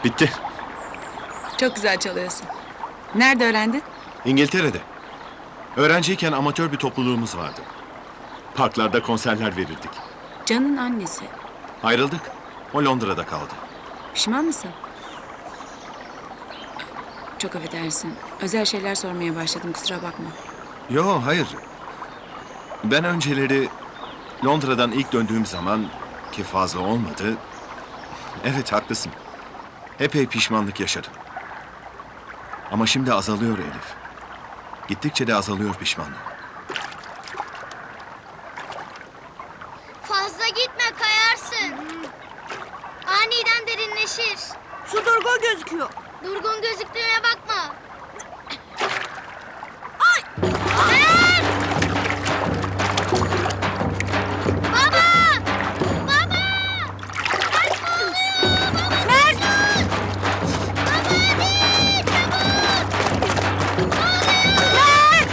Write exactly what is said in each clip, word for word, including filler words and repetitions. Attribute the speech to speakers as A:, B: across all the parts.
A: Bitti.
B: Çok güzel çalıyorsun. Nerede öğrendin?
A: İngiltere'de. Öğrenciyken amatör bir topluluğumuz vardı. Parklarda konserler verirdik.
B: Can'ın annesi.
A: Ayrıldık. O Londra'da kaldı.
B: Pişman mısın? Çok affedersin. Özel şeyler sormaya başladım, kusura bakma.
A: Yo, hayır. Ben önceleri Londra'dan ilk döndüğüm zaman, ki fazla olmadı... Evet, haklısın. Epey pişmanlık yaşadım. Ama şimdi azalıyor Elif. Gittikçe de azalıyor pişmanlığım.
C: Fazla gitme, kayarsın. Aniden derinleşir.
D: Su durgun gözüküyor.
C: Durgun gözüktüğüne bakma. Ay! Dayan! Baba! Baba! Kaçma oluyor! Baba! Mert! Baba hadi! Çabuk! Ne oluyor? Mert!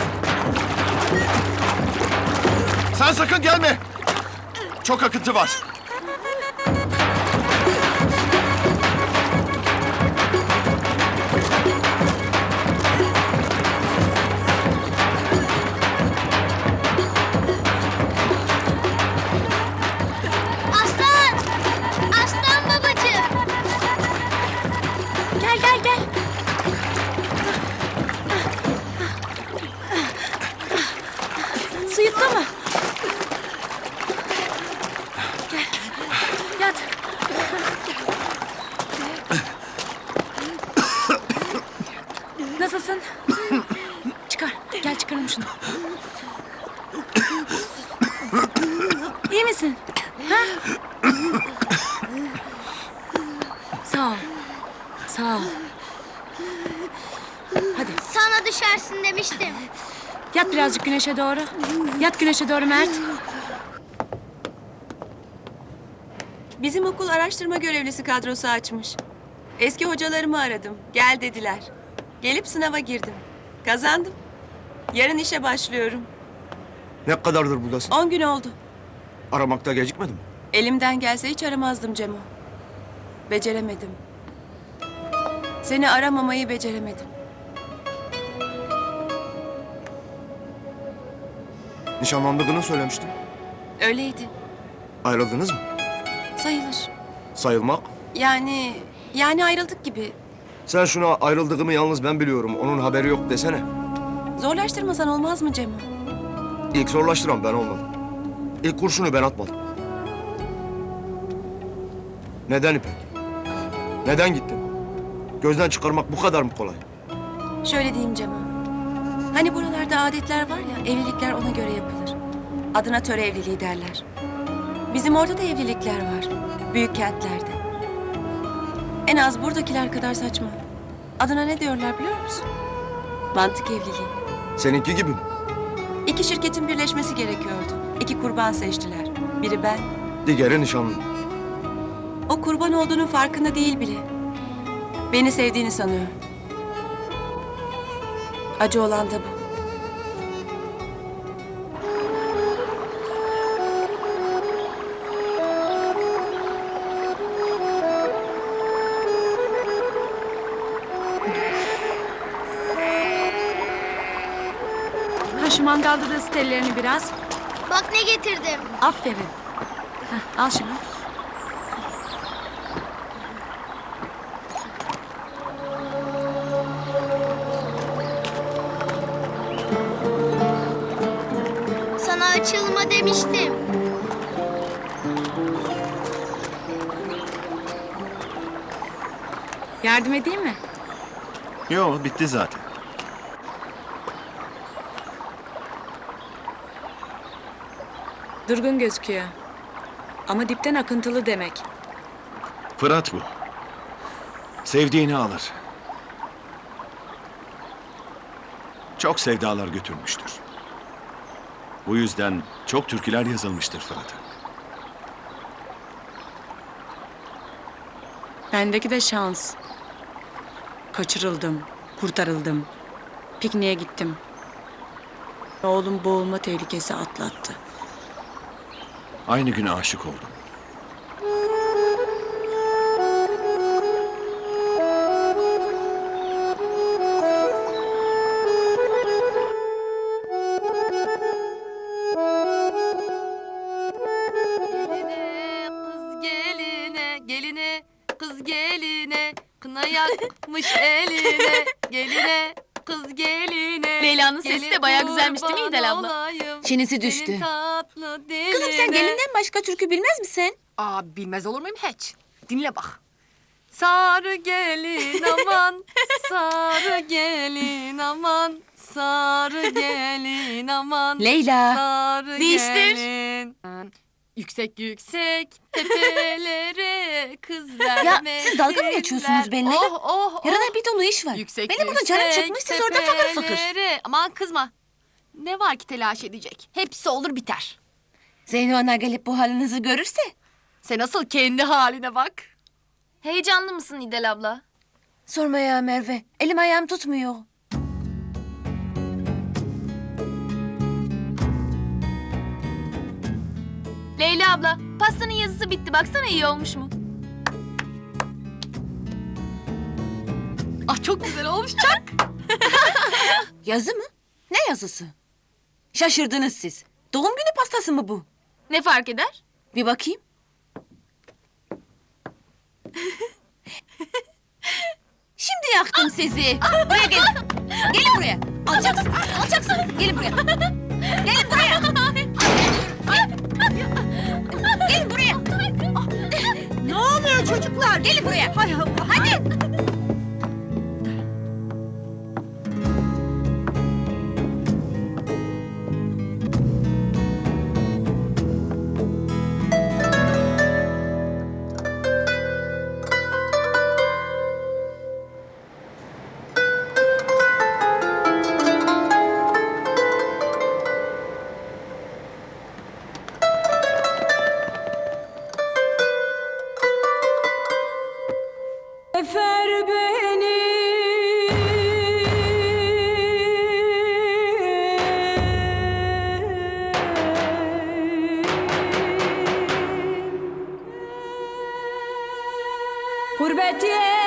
A: Sen sakın gelme! Çok akıntı var.
C: Aslan! Aslan babacığım!
D: Gel gel gel. Su yuttu mu? Gel. Yat. Nasılsın? Çıkar. Gel çıkaralım şunu. İyi misin? Ha? Sağ ol. Sağ ol. Hadi
C: Sana düşersin demiştim.
B: Yat birazcık güneşe doğru. Yat güneşe doğru Mert.
E: Bizim okul araştırma görevlisi kadrosu açmış. Eski hocalarımı aradım. Gel dediler. Gelip sınava girdim. Kazandım. Yarın işe başlıyorum.
F: Ne kadardır buradasın?
E: On gün oldu.
F: Aramakta gecikmedim.
E: Elimden gelse hiç aramazdım Cemo. Beceremedim. Seni aramamayı beceremedim.
F: Nişanlandığını söylemiştin.
E: Öyleydi.
F: Ayrıldınız mı?
E: Sayılır.
F: Sayılmak.
E: Yani... Yani ayrıldık gibi.
F: Sen şuna ayrıldığımı yalnız ben biliyorum, onun haberi yok desene.
E: Zorlaştırmasan olmaz mı Cemo?
F: İlk zorlaştıran ben olmadım. İlk kurşunu ben atmadım. Neden İpek? Neden gittin? Gözden çıkarmak bu kadar mı kolay?
E: Şöyle diyeyim Cemo. Hani buralarda adetler var ya, evlilikler ona göre yapılır. Adına töre evliliği derler. Bizim orada da evlilikler var. Büyük kentlerde. En az buradakiler kadar saçma. Adına ne diyorlar biliyor musun? Mantık evliliği.
F: Seninki gibi mi?
E: İki şirketin birleşmesi gerekiyordu. İki kurban seçtiler. Biri ben.
F: Diğeri nişanlı.
E: O kurban olduğunun farkında değil bile. Beni sevdiğini sanıyor. Acı olan da bu.
B: Ha şu mangalda da ısıt ellerini biraz.
C: Bak ne getirdim.
B: Aferin. Hah, al şunu.
C: Sana açılma demiştim.
B: Yardım edeyim mi?
A: Yo, bitti zaten.
B: Durgun gözüküyor. Ama dipten akıntılı demek.
A: Fırat bu. Sevdiğini alır. Çok sevdalar götürmüştür. Bu yüzden çok türküler yazılmıştır Fırat'a.
B: Bendeki de şans. Kaçırıldım, kurtarıldım. Pikniğe gittim. Oğlum boğulma tehlikesi atlattı.
A: Aynı güne aşık oldum.
G: kız geline, kına yakmış eline, geline, kız geline.
D: Leyla'nın sesi de
G: gelin
D: bayağı güzelmiş değil mi
G: kurban
D: İdel abla?
G: olayım,
E: Çenesi düştü.
G: senin tatlı
E: Kızım sen
G: diline.
E: gelinden başka türkü bilmez misin?
G: Aa, bilmez olur muyum hiç? Dinle bak. Sarı gelin aman, sarı gelin aman, sarı gelin aman.
E: Leyla.
G: Sarı
D: Değiştir.
G: gelin. Yüksek yüksek tepelere kız vermesinler.
E: Ya siz dalga mı geçiyorsunuz benimle?
G: Oh oh
E: Yarına
G: oh.
E: bir dolu iş var.
G: Yüksek
E: Benim burada canım
G: yüksek
E: çıkmış, siz orada fakır fakır.
G: tepelere- Aman kızma. Ne var ki telaş edecek? Hepsi olur biter.
E: Zeyno ana gelip bu halinizi görürse.
G: Sen asıl kendi haline bak.
D: Heyecanlı mısın İdel abla?
E: Sorma ya Merve. Elim ayağım tutmuyor.
D: Leyla abla, pastanın yazısı bitti. Baksana iyi olmuş mu?
G: Ah çok güzel olmuş çak.
E: Yazı mı? Ne yazısı? Şaşırdınız siz. Doğum günü pastası mı bu?
D: Ne fark eder?
E: Bir bakayım. Şimdi yaktım sizi. Buraya gelin. Gelin buraya. Alacaksınız. Alacaksınız. Gelin buraya. Gelin buraya. Gelin buraya. Ne oluyor çocuklar? Gelin buraya. Hay Allah. Hadi.
H: Efer beni Gurbet